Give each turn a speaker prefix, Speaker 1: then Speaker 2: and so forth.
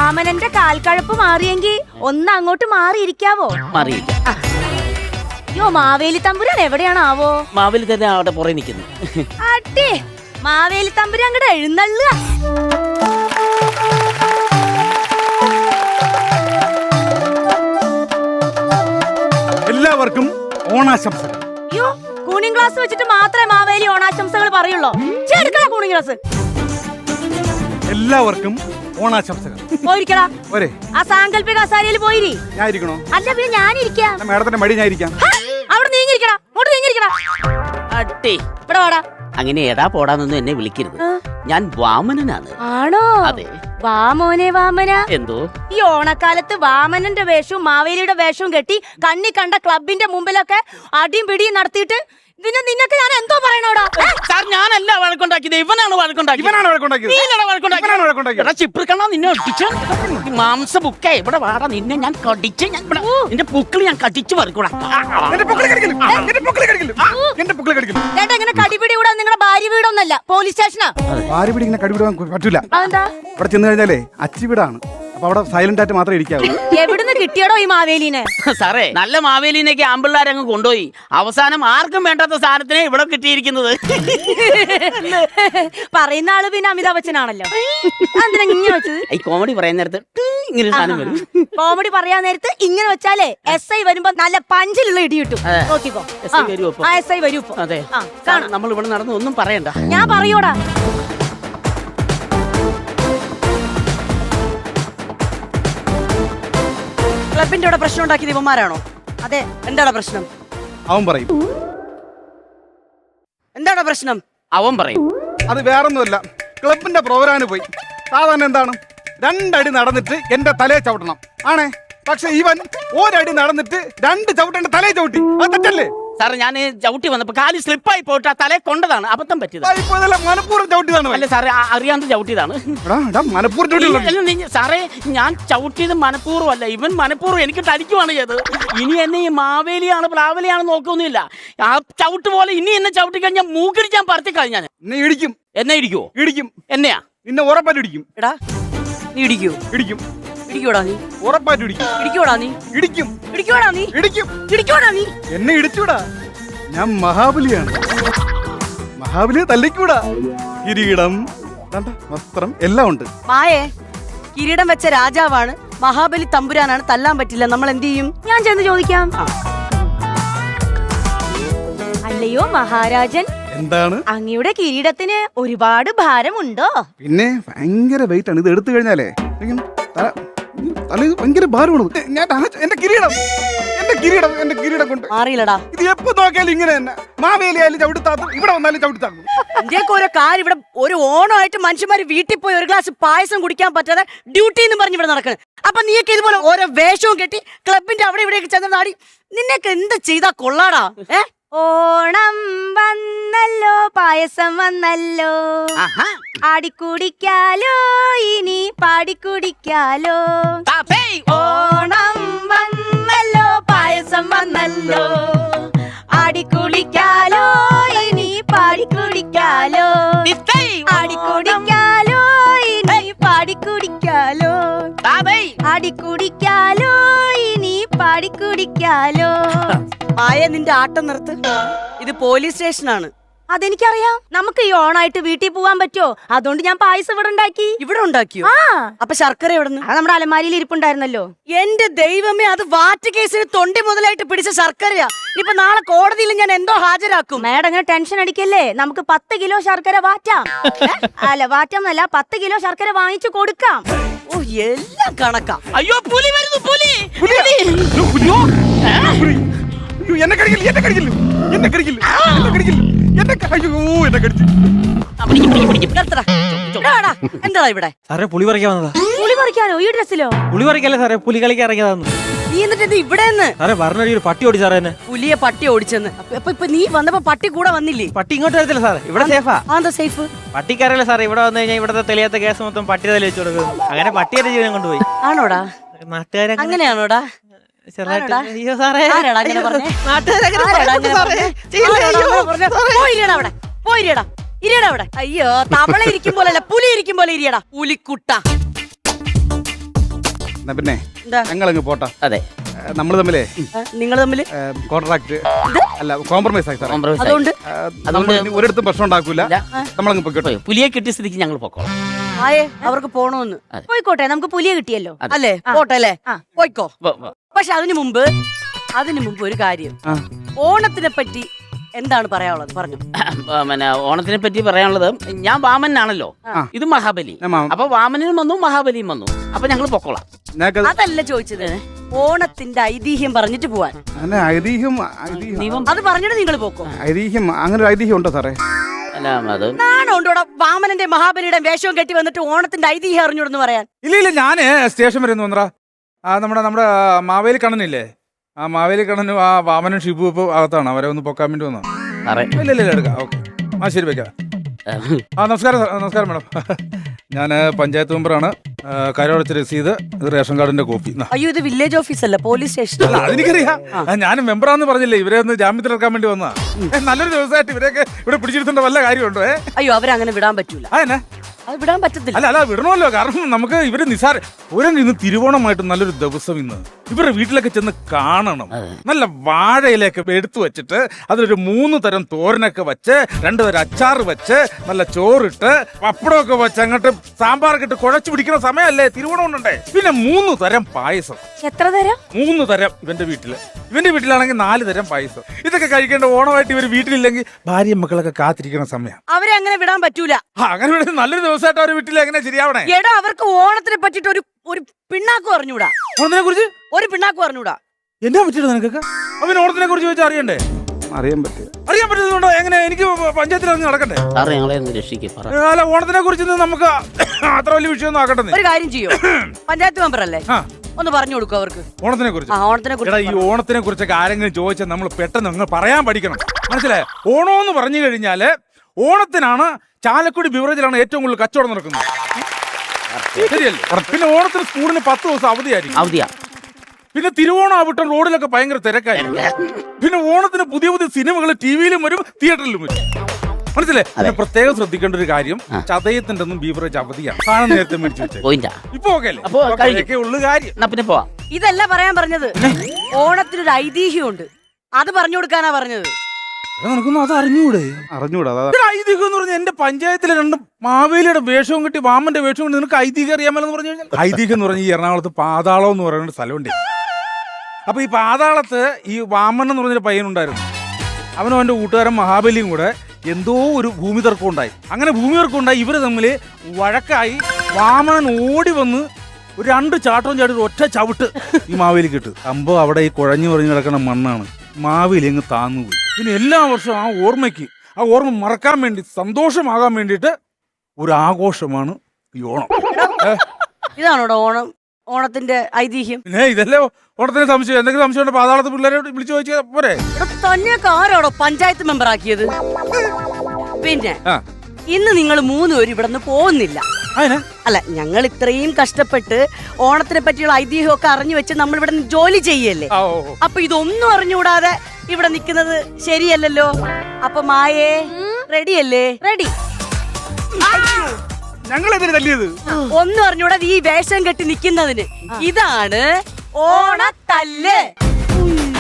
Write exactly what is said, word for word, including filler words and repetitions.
Speaker 1: വാമനന്റെ കാൽക്കഴപ്പ് മാറിയെങ്കിൽ ഒന്ന് അങ്ങോട്ട് മാറിയിരിക്കാവോ?
Speaker 2: മാറിയിരിക്കാം.
Speaker 1: അയ്യോ, മാവേലി തമ്പുരാൻ എവിടെയാണാവോ?
Speaker 2: മാവേലി തന്നെ അവിടെ പുറകെ നിൽക്കുന്നു.
Speaker 1: അട്ടേ, മാവേലി തമ്പുരാൻ അങ്ങോട്ട് എഴുന്നള്ളുക.
Speaker 3: എല്ലാവർക്കും ഓണാശംസകൾ.
Speaker 1: അയ്യോ, കൂണിംഗ് ഗ്ലാസ് വെച്ചിട്ട് മാത്രമേ മാവേലി ഓണാശംസകൾ പറയുള്ളൂ. ചേർക്കടാ കൂണിംഗ് ഗ്ലാസ്.
Speaker 3: എല്ലാവർക്കും ഓണാശംസകൾ.
Speaker 1: പോയിരിക്കടാ.
Speaker 3: ഒരേ
Speaker 1: ആ സാങ്കല്പിക കസാരയിൽ പോയിരി.
Speaker 3: ഞാൻ ഇരിക്കണോ?
Speaker 1: അല്ല, പിന്നെ ഞാനിരിക്കാം.
Speaker 3: മേഡത്തിന്റെ മടി ഞാൻ ഇരിക്കാം.
Speaker 1: അവിടെ നീങ്ങിരിക്കടാ, അങ്ങോട്ട് നീങ്ങിരിക്കടാ.
Speaker 2: അട്ടി
Speaker 1: ഇവിടെ വാടാ.
Speaker 2: അങ്ങനെ എടാ പോടാന്നൊന്നും എന്നെ വിളിക്കരുത്. ഞാൻ വാമനനാണ്.
Speaker 1: ആണോ?
Speaker 2: അതെ.
Speaker 1: വാമോനെ വാമന.
Speaker 2: എന്തോ
Speaker 1: ഈ ഓണക്കാലത്ത് വാമനന്റെ വേഷവും മാവേലിയുടെ വേഷവും കെട്ടി കണ്ണി കണ്ട ക്ലബിന്റെ മുമ്പിലൊക്കെ അടിയും പിടിയും നടത്തിയിട്ട് പിന്നെ നിന്നൊക്കെ ഞാൻ എന്തോ പറയണോടാ?
Speaker 2: സാർ, ഞാനല്ല വഴക്കുണ്ടാക്കിയത്, ഇവനാണ് വഴക്കുണ്ടാക്കിയത്.
Speaker 3: ഇവനാണ് വഴക്കുണ്ടാക്കിയത്.
Speaker 2: നീയല്ലടാ വഴക്കുണ്ടാക്കിയത്.
Speaker 3: ഇവനാണ് വഴക്കുണ്ടാക്കിയത്.
Speaker 2: എടാ ചിപ്രിക്കണ്ണ, നിന്നെ ഒട്ടിച്ച് മാംസ ബുക്കേ ഇവിടെ വാടാ. നിന്നെ ഞാൻ കടിച്ച് ഞാൻ ഇവിടെ നിന്റെ പുക്കിൾ ഞാൻ കടിച്ചു പറിക്കൂടാ.
Speaker 3: എന്റെ പൊക്കിള് കടിക്കല്. എന്റെ പൊക്കിള് കടിക്കല്. എന്റെ പൊക്കിള് കടിക്കല്.
Speaker 1: ചേട്ടാ, ഇങ്ങനെ കടിപിടി കൂടാ. നിങ്ങളുടെ ഭാര്യ വീടൊന്നല്ല, പോലീസ് സ്റ്റേഷനാ.
Speaker 3: ഭാര്യ വീട് ഇങ്ങനെ കടിപിടാൻ പറ്റൂല.
Speaker 1: അതെന്താ?
Speaker 3: ഇവിടെ ചെന്ന് കഴിഞ്ഞാലേ അച്ചി വീടാണ്. അപ്പൊ അവിടെ സൈലന്റ് ആയിട്ട് മാത്രമേ ഇരിക്കാവൂ.
Speaker 1: എവിടുന്ന് കിട്ടിയടോ ഈ മാവേലിനെ?
Speaker 2: സാറേ, നല്ല മാവേലിനൊക്കെ ആമ്പിള്ളാരങ്ങ് കൊണ്ടുപോയി അവസാനം ആർക്കും വേണ്ടാത്ത സാധനത്തിനെ ഇവിടെ കിട്ടിയിരിക്കുന്നത്.
Speaker 1: പറയുന്ന ആള് പിന്നെ അമിതാഭ് ബച്ചനാണല്ലോ. എന്തിനാ ഇങ്ങനെ വെച്ചത്?
Speaker 2: ഈ കോമഡി പറയുന്ന നേരത്ത് ഇങ്ങനെ സാധനം വരും.
Speaker 1: കോമഡി പറയാൻ നേരത്ത് ഇങ്ങനെ വെച്ചാലേ എസ് ഐ വരുമ്പോ നല്ല പഞ്ചിലുള്ള ഇടി കിട്ടും. നോക്കിക്കോ.
Speaker 2: എസ് ഐ വരുമോ?
Speaker 1: ആ, എസ് ഐ വരൂ ഇപ്പൊ.
Speaker 2: അതെ,
Speaker 1: ആ, കാണാം.
Speaker 2: നമ്മൾ ഇവിടെ നടന്ന് ഒന്നും പറയണ്ട.
Speaker 1: ഞാൻ പറയൂടാ.
Speaker 4: ക്ലബിന്റെ ഇവിടെ പ്രശ്നം ഉണ്ടാക്കിയത് ഇവന്മാരാണോ?
Speaker 1: അതെ.
Speaker 4: എന്താണ് പ്രശ്നം?
Speaker 3: അവൻ പറയും.
Speaker 4: എന്താണ് പ്രശ്നം?
Speaker 2: അവൻ പറയും.
Speaker 3: അത് വേറൊന്നുമല്ല, ക്ലബിന്റെ പ്രോഗ്രാമിന് പോയി. സാധാരണ എന്താണ്, രണ്ടടി നടന്നിട്ട് എന്റെ തലയെ ചവിട്ടണം ആണേ. പക്ഷെ ഇവൻ ഒരടി നടന്നിട്ട് രണ്ട് ചവിട്ടേണ്ട തലയെ ചവിട്ടി. അത് തെറ്റല്ലേ?
Speaker 2: സാറേ, ഞാൻ ചവിട്ടി വന്നപ്പോ കാലി സ്ലിപ്പായി പോയിട്ട് ആ തലയെ കൊണ്ടതാണ്, അബദ്ധം പറ്റിയത്.
Speaker 3: മനഃപൂർവ്വം ചവിട്ടിയതാണ്.
Speaker 2: അല്ല സാറേ, അറിയാണ്ട് ചവിട്ടിയതാണ്.
Speaker 3: മനഃപൂർവ്വം.
Speaker 2: സാറേ, ഞാൻ ചവിട്ടിയത് മനഃപൂർവ്വം അല്ല, ഇവൻ മനഃപൂർവ്വം എനിക്ക് തടിക്കുവാണ് ചെയ്തത്. ഇനി എന്നെ ഈ മാവേലിയാണ് പ്ലാവലിയാണ് നോക്കൊന്നുമില്ല. ആ ചവിട്ട് പോലെ ഇനി എന്നെ ചവിട്ടി കഴിഞ്ഞാൽ മൂക്കിടിച്ചാൻ പറത്തി കഴിഞ്ഞാൽ
Speaker 3: എന്നെ ഇടിക്കും.
Speaker 2: എന്നെ ഇടിക്കുവോ?
Speaker 3: ഇടിക്കും.
Speaker 2: എന്നെയാ?
Speaker 3: നിന്നെ ഉറപ്പായിട്ട് ഇടിക്കും.
Speaker 4: എടാ, നീ ഇടിക്കൂ?
Speaker 3: ഇടിക്കും.
Speaker 4: ഇടിക്കോടാ നീ?
Speaker 3: ഉറപ്പായിട്ട് ഇടിക്കും.
Speaker 4: ഇടിക്കോടാ നീ?
Speaker 3: ഇടിക്കും.
Speaker 4: ഇടിക്കോടാ നീ?
Speaker 3: ഇടിക്കും.
Speaker 4: ഇടിക്കോടാ നീ?
Speaker 3: എന്നെ ഇടിച്ചൂടാ. ഞാൻ മഹാബലിയാണ്. മഹാബലിയെ തല്ലിക്കൂടാ. കിരീടം, വസ്ത്രം എല്ലാം ഉണ്ട്.
Speaker 4: മായേ, കിരീടം വെച്ച രാജാവാണ്, മഹാബലി തമ്പുരാനാണ്, തല്ലാൻ പറ്റില്ല. നമ്മൾ എന്ത് ചെയ്യും?
Speaker 1: ഞാൻ ചെന്ന് ചോദിക്കാം. അല്ലയോ മഹാരാജൻ,
Speaker 3: എന്താണ്?
Speaker 1: അങ്ങയുടെ കിരീടത്തിന് ഒരുപാട് ഭാരമുണ്ടോ?
Speaker 3: പിന്നെ ഭയങ്കര വെയിറ്റ് ആണ്. ഇത് എടുത്തു കഴിഞ്ഞാലേ ഇങ്ങനെ തല തല ഇത് ഭയങ്കര ഭാരമാണ്. ഞാൻ ആ- എന്റെ കിരീടം എന്റെ കിരീടം എന്റെ കിരീടം കൊണ്ട്
Speaker 4: മാറിയില്ലടാ.
Speaker 3: ഇത് എപ്പോ നോക്കിയാലും ഇങ്ങനെ തന്നെ. മാവേലി ആയാലും ചവിട്ടിത്താത്തും, ഇവിടെ വന്നാലും ചവിട്ടിത്താക്കും.
Speaker 4: ഇന്ത്യക്ക് ഓരോ കാര്യം. ഇവിടെ ഒരു ഓണമായിട്ട് മനുഷ്യന്മാര് വീട്ടിൽ പോയി ഒരു ഗ്ലാസ് പായസം കുടിക്കാൻ പറ്റാതെ ഡ്യൂട്ടി എന്ന് പറഞ്ഞ് ഇവിടെ നടക്കണം. അപ്പൊ നീയൊക്കെ ഇതുപോലെ ഓരോ വേഷവും കെട്ടി ക്ലബിന്റെ അവിടെ ഇവിടെയൊക്കെ ചെന്ന് നാടി നിന്നൊക്കെ എന്ത് ചെയ്താ കൊള്ളാടാ? ഏ
Speaker 1: ഓണം വന്നല്ലോ, പായസം വന്നല്ലോ,
Speaker 2: ആഹാ.
Speaker 1: ആടിക്കുടിക്കാലോ, ഇനി പാടിക്കുടിക്കാലോ.
Speaker 2: താത്തേ,
Speaker 1: ഓണം വന്നല്ലോ, പായസം വന്നല്ലോ, ആടിക്കുടിക്കാലോ, ഇനി പാടിക്കുടിക്കാലോ,
Speaker 2: തിത്തേ,
Speaker 1: ആടിക്കുടിക്കാലോ, ഇനി പാടിക്കുടിക്കാലോ,
Speaker 2: താത്തേ.
Speaker 1: ആടിക്കുടിക്കാലോ, ഇനി പാടിക്കുടിക്കാലോ.
Speaker 4: മായ, നിന്റെ ആട്ടം നിർത്ത്. ഇത് പോലീസ് സ്റ്റേഷനാണ്.
Speaker 1: അതെനിക്കറിയാം. നമുക്ക് ഈ ഓണായിട്ട് വീട്ടിൽ പോവാൻ പറ്റുമോ? അതുകൊണ്ട് ഞാൻ പായസം ഇവിടെ ഉണ്ടാക്കി.
Speaker 4: ഇവിടെ ഉണ്ടാക്കിയോ?
Speaker 1: ആ,
Speaker 4: അപ്പൊ ശർക്കര എവിടുന്ന്?
Speaker 1: അത് നമ്മുടെ അലമാരിയിൽ ഇരിപ്പുണ്ടായിരുന്നല്ലോ.
Speaker 4: എന്റെ ദൈവമേ, അത് വാറ്റ് കേസിന് തൊണ്ടി മുതലായിട്ട് പിടിച്ച ശർക്കരയാ. ഇനിയിപ്പൊ നാളെ കോടതിയിൽ ഞാൻ എന്തോ ഹാജരാക്കും.
Speaker 1: മേഡം അങ്ങനെ ടെൻഷൻ അടിക്കല്ലേ. നമുക്ക് പത്ത് കിലോ ശർക്കര വാറ്റാം. അല്ല, വാറ്റാന്നല്ല, പത്ത് കിലോ ശർക്കര വാങ്ങിച്ചു കൊടുക്കാം.
Speaker 4: ഓ, എല്ലാം കണക്കാ.
Speaker 2: അയ്യോ, പുലി വരുന്നു, പുലി.
Speaker 3: പുലിയാ? അയ്യോ, പുലിയോ? പുലി. അയ്യോ, എന്നെ കടിക്കില്ല, എന്നെ കടിക്കില്ല, എന്നെ കടിക്കില്ല, എന്നെ കടിക്കില്ല, എന്നെ ക- അയ്യോ, എന്നെ കടിച്ചു.
Speaker 4: നിർത്തടാ. എടാ, എടാ, എന്താടാ ഇവിടെ?
Speaker 5: സാറേ, പുളി പറിക്കാൻ വന്നതാ.
Speaker 1: പുളി പറിക്കാനോ? ഈ ഡ്രസ്സിലോ?
Speaker 5: പുളി പറിക്കല്ലേ സാറേ, പുലി കളിക്കാൻ ഇറങ്ങിയതാന്ന്.
Speaker 4: നീ എന്നിട്ട് ഇത് ഇവിടെ നിന്ന്
Speaker 5: സാറേ, പറഞ്ഞ ഒരു പട്ടി ഓടി സാറേ എന്നെ.
Speaker 4: പുലിയെ പട്ടി ഓടിച്ചെന്ന്. അപ്പൊ ഇപ്പൊ- ഇപ്പൊ നീ വന്നപ്പോ പട്ടി കൂടെ വന്നില്ലേ?
Speaker 5: പട്ടി ഇങ്ങോട്ട് വരത്തില്ല സാറേ, ഇവിടെ സേഫാ.
Speaker 4: ആ, എന്താ സേഫ്?
Speaker 5: പട്ടിക്കറിയില്ല സാറേ, ഇവിടെ വന്നു കഴിഞ്ഞാൽ ഇവിടുത്തെ തെളിയാത്ത കേസ് മൊത്തം പട്ടി തല വെച്ച് കൊടുക്കും. അങ്ങനെ പട്ടിയുടെ ജീവനം കൊണ്ടുപോയി.
Speaker 4: ആണോടാ?
Speaker 5: നാട്ടുകാരെ
Speaker 4: അങ്ങനെയാണോടാ?
Speaker 5: ചെറുതായിട്ട്
Speaker 4: ആരോടാ?
Speaker 5: അയ്യോ സാറേ,
Speaker 4: ആരാടാ അങ്ങനെ പറഞ്ഞേ?
Speaker 5: നാട്ടുകാരങ്ങനെ
Speaker 4: ആരാടാ
Speaker 5: പറയുന്നു
Speaker 4: അങ്ങനെ
Speaker 5: സാറേ.
Speaker 4: പറഞ്ഞേ?
Speaker 5: ചെയ്യില്ല,
Speaker 4: ആരാടാ
Speaker 5: അയ്യോ.
Speaker 4: അങ്ങനെ പറഞ്ഞേ? പോയിരിയടാ അവിടെ, പോയിരിയടാ, ഇരിയടാ അവിടെ. അയ്യോ, തവള ഇരിക്കും പോലല്ല, പുലി ഇരിക്കും പോലെ ഇരിയടാ, പുലിക്കുട്ട.
Speaker 3: എന്നാ പിന്നെ
Speaker 4: എന്താ?
Speaker 3: ഞങ്ങളങ്ങ് പോട്ടെ.
Speaker 2: അതെ,
Speaker 3: നമ്മൾ തമ്മിലേ
Speaker 4: നിങ്ങൾ തമ്മില്
Speaker 3: കോൺട്രാക്ട് അല്ല കോംപ്രമൈസ് ആയി സാറേ.
Speaker 2: compromise ആയി.
Speaker 4: അതുകൊണ്ട്
Speaker 3: നമ്മൾ ഇനി ഒരിടത്തും പ്രശ്നം ഉണ്ടാക്കൂല.
Speaker 2: ഇല്ല.
Speaker 3: നമ്മളങ്ങ് പോയിക്കോട്ടെ.
Speaker 2: പോയി. പുലിയെ കിട്ടിയ സ്ഥിതിക്ക് ഞങ്ങൾ പൊക്കോളാം.
Speaker 4: ആയേ അവർക്ക് പോണോന്ന്
Speaker 1: പോയിക്കോട്ടെ, നമുക്ക് പുലിയെ കിട്ടിയല്ലോ.
Speaker 4: അല്ലേ? പോട്ടെ അല്ലേ?
Speaker 1: ആ.
Speaker 4: പോയിക്കോ.
Speaker 2: പോ- പോ.
Speaker 4: പക്ഷെ അതിനു മുമ്പ് അതിനു മുമ്പ് ഒരു കാര്യം, ഓണത്തിനെ പറ്റി എന്താണ് പറയാനുള്ളത് പറഞ്ഞു.
Speaker 2: ആ, പിന്നെ ഓണത്തിനെ പറ്റി പറയാനുള്ളത്, ഞാൻ വാമനാണല്ലോ, ഇത് മഹാബലി.
Speaker 3: ഞാൻ മാമൻ.
Speaker 2: അപ്പൊ വാമനും വന്നു മഹാബലിയും വന്നു. അപ്പൊ ഞങ്ങൾ പൊക്കോളാം.
Speaker 3: ഞങ്ങൾക്കത്
Speaker 4: അതല്ല ചോദിച്ചത്, ഓണത്തിന്റെ ഐതിഹ്യം പറഞ്ഞിട്ട് പോവാൻ.
Speaker 3: അങ്ങനെ ഐതിഹ്യം ഐതിഹ്യം
Speaker 2: ദൈവം
Speaker 4: അത് പറഞ്ഞിട്ട് നിങ്ങൾ പോക്കോ.
Speaker 3: ഐതിഹ്യം അങ്ങനെ ഒരു ഐതിഹ്യം ഉണ്ടോ സാറേ?
Speaker 2: അല്ല, അത്
Speaker 4: നാണോണ്ടോടെ വാമനന്റെ മഹാബലിയുടെ വേഷവും കെട്ടി വന്നിട്ട് ഓണത്തിന്റെ ഐതിഹ്യം അറിഞ്ഞൂടെന്ന് പറയാൻ.
Speaker 6: ഇല്ല ഇല്ല ഞാന് സ്റ്റേഷൻ വരെ ഒന്ന് വന്നറാ. ആ നമ്മുടെ നമ്മുടെ മാവേലി കണ്ണനില്ലേ, ആ മാവേലി കണ്ണനും ആ വാമനും ഷിബു ഇപ്പൊ അകത്താണ്. അവരെ ഒന്ന് പൊക്കാൻ വേണ്ടി വന്നു.
Speaker 2: സാറേ,
Speaker 6: ഇല്ല ഇല്ല ഇല്ല എടുക്കാം. ഓക്കെ, ആ ശരി വെക്കാം. ആ നമസ്കാരം സാർ. നമസ്കാരം മാഡം. ഞാൻ പഞ്ചായത്ത് മെമ്പറാണ്. കരമടച്ച രസീത്, ഇത് റേഷൻ കാർഡിന്റെ കോപ്പി. നാ.
Speaker 4: അയ്യോ, ഇത് വില്ലേജ് ഓഫീസ് അല്ല, പോലീസ് സ്റ്റേഷൻ.
Speaker 6: അല്ല അതെനിക്കറിയാം. ഞാൻ മെമ്പറാന്ന് പറഞ്ഞില്ലേ, ഇവരെ ഒന്ന് ജാമ്യത്തിൽ ഇറക്കാൻ വേണ്ടി വന്നാ. ഏ, നല്ലൊരു ദിവസമായിട്ട് ഇവരെയൊക്കെ ഇവിടെ പിടിച്ചിരുത്തേണ്ട വല്ല കാര്യമുണ്ടോ? ഏ
Speaker 4: അയ്യോ, അവരങ്ങനെ വിടാൻ പറ്റൂല.
Speaker 6: ആ എന്നാ
Speaker 4: അത് വിടാൻ പറ്റത്തില്ല.
Speaker 6: അല്ല അല്ല വിടണമല്ലോ. കാരണം നമുക്ക് ഇവര് നിസാര ഒരു ഇന്ന് തിരുവോണമായിട്ട് നല്ലൊരു ദിവസം ഇന്ന് ഇവരുടെ വീട്ടിലൊക്കെ ചെന്ന് കാണണം. നല്ല വാഴയിലൊക്കെ എടുത്തു വെച്ചിട്ട് അതിലൊരു മൂന്ന് തരം തോരനൊക്കെ വെച്ച് രണ്ടു തരം അച്ചാറ് വെച്ച് നല്ല ചോറിട്ട് പപ്പടമൊക്കെ വെച്ച് അങ്ങോട്ട് സാമ്പാറൊക്കെ ഇട്ട് കുഴച്ചു പിടിക്കുന്ന സമയമല്ലേ തിരുവോണം ഉണ്ടേ. പിന്നെ മൂന്ന് തരം പായസം.
Speaker 1: എത്ര തരം?
Speaker 6: മൂന്ന് തരം ഇവന്റെ വീട്ടില്. ഇവന്റെ വീട്ടിലാണെങ്കിൽ നാല് തരം പായസം. ഇതൊക്കെ കഴിക്കേണ്ട ഓണമായിട്ട് ഇവര് വീട്ടിലില്ലെങ്കിൽ ഭാര്യയും മക്കളൊക്കെ കാത്തിരിക്കുന്ന സമയം.
Speaker 4: അവരെ അങ്ങനെ വിടാൻ പറ്റൂല.
Speaker 6: ആ, അങ്ങനെ ഇവിടെ നല്ലൊരു ദിവസമായിട്ട് അവരുടെ വീട്ടിൽ എങ്ങനെ ശരിയാവണേ?
Speaker 4: എടാ, അവർക്ക് ഓണത്തിനെ പറ്റിട്ട് ഒരു ഒരു പിണ്ണാക്ക് പറഞ്ഞൂടാ.
Speaker 6: ഓണത്തിനെ കുറിച്ച്
Speaker 4: ഒരു പിണ്ണാക്ക് പറഞ്ഞൂടാ.
Speaker 6: എന്നാ പറ്റിയത് നിനക്കൊക്കെ? അവൻ ഓണത്തിനെ കുറിച്ച് ചോദിച്ചാൽ അറിയണ്ടേ?
Speaker 3: അറിയാൻ പറ്റും.
Speaker 6: അറിയാൻ പറ്റുന്നുണ്ടോ? എങ്ങനെ എനിക്ക് പഞ്ചായത്തിൽ ഇറങ്ങി നടക്കണ്ടേ?
Speaker 2: സാറേ, ഞങ്ങളെ ഒന്ന് രക്ഷിക്കും. പറ.
Speaker 6: ഏ, അല്ല ഓണത്തിനെ കുറിച്ച് നമുക്ക് അത്ര വലിയ വിഷയമൊന്നും ആക്കട്ടെ.
Speaker 4: ഒരു കാര്യം ചെയ്യോ, പഞ്ചായത്ത് മെമ്പർ അല്ലേ,
Speaker 6: ആ,
Speaker 4: ഒന്ന് പറഞ്ഞു കൊടുക്കും അവർക്ക്.
Speaker 6: ഓണത്തിനെ കുറിച്ച്.
Speaker 4: ആ, ഓണത്തിനെ
Speaker 6: എടാ, ഈ
Speaker 4: കുറിച്ച്
Speaker 6: ഓണത്തിനെ കുറിച്ചൊക്കെ ആരെങ്കിലും ചോദിച്ചാൽ നമ്മൾ പെട്ടെന്ന് നിങ്ങൾ പറയാൻ പഠിക്കണം. മനസ്സിലായോ? ഓണം എന്ന് പറഞ്ഞു കഴിഞ്ഞാല് ഓണത്തിനാണ് ചാലക്കുടി ബിവറേജിലാണ് ഏറ്റവും കൂടുതൽ കച്ചവടം നടക്കുന്നത്. ശരിയല്ലേ? പിന്നെ ഓണത്തിന് സ്കൂളിന് പത്ത് ദിവസം അവധിയായിരിക്കും.
Speaker 2: അവധിയാ.
Speaker 6: പിന്നെ തിരുവോണം ആവട്ടെ റോഡിലൊക്കെ ഭയങ്കര തിരക്കായിരിക്കും. പിന്നെ ഓണത്തിന് പുതിയ പുതിയ സിനിമകൾ ടി വിയിലും വരും, തിയേറ്ററിലും വരും. മനസ്സിലായി? പിന്നെ പ്രത്യേകം ശ്രദ്ധിക്കേണ്ട ഒരു കാര്യം, ചതയത്തിന്റെ ഒന്നും ബീവറേജ് അവധിയാണ്. സാധനം നേരത്തെ മേടിച്ചു വെച്ചേ.
Speaker 2: പോയിന്റാ.
Speaker 6: ഇപ്പൊ ഓക്കെ അല്ലേ?
Speaker 2: അപ്പൊ കഴിഞ്ഞു.
Speaker 6: ഒക്കെ ഉള്ളു കാര്യം.
Speaker 2: എന്നാ പിന്നെ പോവാം.
Speaker 4: ഇതല്ല പറയാൻ പറഞ്ഞത്. ഓണത്തിനൊരു ഐതിഹ്യമുണ്ട്, അത് പറഞ്ഞു കൊടുക്കാനാ പറഞ്ഞത്.
Speaker 6: എടാ, നിനക്കൊന്നും അത് അറിഞ്ഞൂടെ?
Speaker 3: അറിഞ്ഞൂടാ. അതാ
Speaker 6: എടാ, ഐതിഹ്യം എന്ന് പറഞ്ഞാൽ എന്റെ പഞ്ചായത്തിലെ രണ്ട് മാവേലിയുടെ വേഷവും കിട്ടി വാമന്റെ വേഷവും കിട്ടി. നിനക്ക് ഐതിഹ്യം അറിയാമല്ലോ പറഞ്ഞു കഴിഞ്ഞാൽ. ഐതിഹ്യം എന്ന് പറഞ്ഞാൽ ഈ എറണാകുളത്ത് പാതാളം എന്ന് പറയുന്ന ഒരു സ്ഥലമുണ്ട്. അപ്പൊ ഈ പാതാളത്ത് ഈ വാമൻ എന്ന് പറഞ്ഞൊരു പയ്യനുണ്ടായിരുന്നു. അവനും അവന്റെ കൂട്ടുകാരൻ മഹാബലിയും കൂടെ എന്തോ ഒരു ഭൂമി തർക്കം ഉണ്ടായി. അങ്ങനെ ഭൂമി തർക്കം ഉണ്ടായി. ഇവര് തമ്മിൽ വഴക്കായി. വാമനൻ ഓടി വന്ന് ഒരു രണ്ട് ചാട്ടവും ചാടി ഒറ്റ ചവിട്ട് ഈ മാവേലിക്ക് ഇട്ട്. സംഭവം അവിടെ ഈ കുഴഞ്ഞു പറഞ്ഞ് കിടക്കുന്ന മണ്ണാണ്. മാവേലി അങ്ങ് താന്നുപോയി. പിന്നെ എല്ലാ വർഷവും ആ ഓർമ്മയ്ക്ക്, ആ ഓർമ്മ മറക്കാൻ വേണ്ടി, സന്തോഷമാകാൻ വേണ്ടിയിട്ട് ഒരു ആഘോഷമാണ് ഈ ഓണം.
Speaker 4: ഇതാണോടോ ഓണം, ഓണത്തിന്റെ ഐതിഹ്യം?
Speaker 6: പിന്നെ ഇതല്ലേ ഓണത്തിന് സംശയം. എന്തെങ്കിലും സംശയം ഉണ്ടോ പാതാളത്ത് പിള്ളേരെ വിളിച്ചു ചോദിച്ചാൽ പോരെ?
Speaker 4: ഇവിടെ തന്നെയൊക്കെ ആരോടോ പഞ്ചായത്ത് മെമ്പർ ആക്കിയത്? പിന്നെ
Speaker 6: ആ,
Speaker 4: ഇന്ന് നിങ്ങൾ മൂന്നുപേരും ഇവിടെ നിന്ന് പോകുന്നില്ല.
Speaker 6: അതിനാ
Speaker 4: അല്ല, ഞങ്ങൾ ഇത്രയും കഷ്ടപ്പെട്ട് ഓണത്തിനെ പറ്റിയുള്ള ഐതിഹ്യമൊക്കെ അറിഞ്ഞു വെച്ച് നമ്മൾ ഇവിടെ നിന്ന് ജോലി ചെയ്യല്ലേ.
Speaker 6: ആ, ഓ, ഓ.
Speaker 4: അപ്പൊ ഇതൊന്നും അറിഞ്ഞുകൂടാതെ ഇവിടെ നിൽക്കുന്നത് ശരിയല്ലല്ലോ. അപ്പൊ മായേ റെഡിയല്ലേ?
Speaker 1: റെഡി.
Speaker 3: ഞങ്ങളെതിരെ തല്ലിയത്.
Speaker 4: ഒന്നും അറിഞ്ഞൂടാതെ ഈ വേഷം കെട്ടി നിൽക്കുന്നതിന് ഇതാണ് ഓണത്തല്ല്.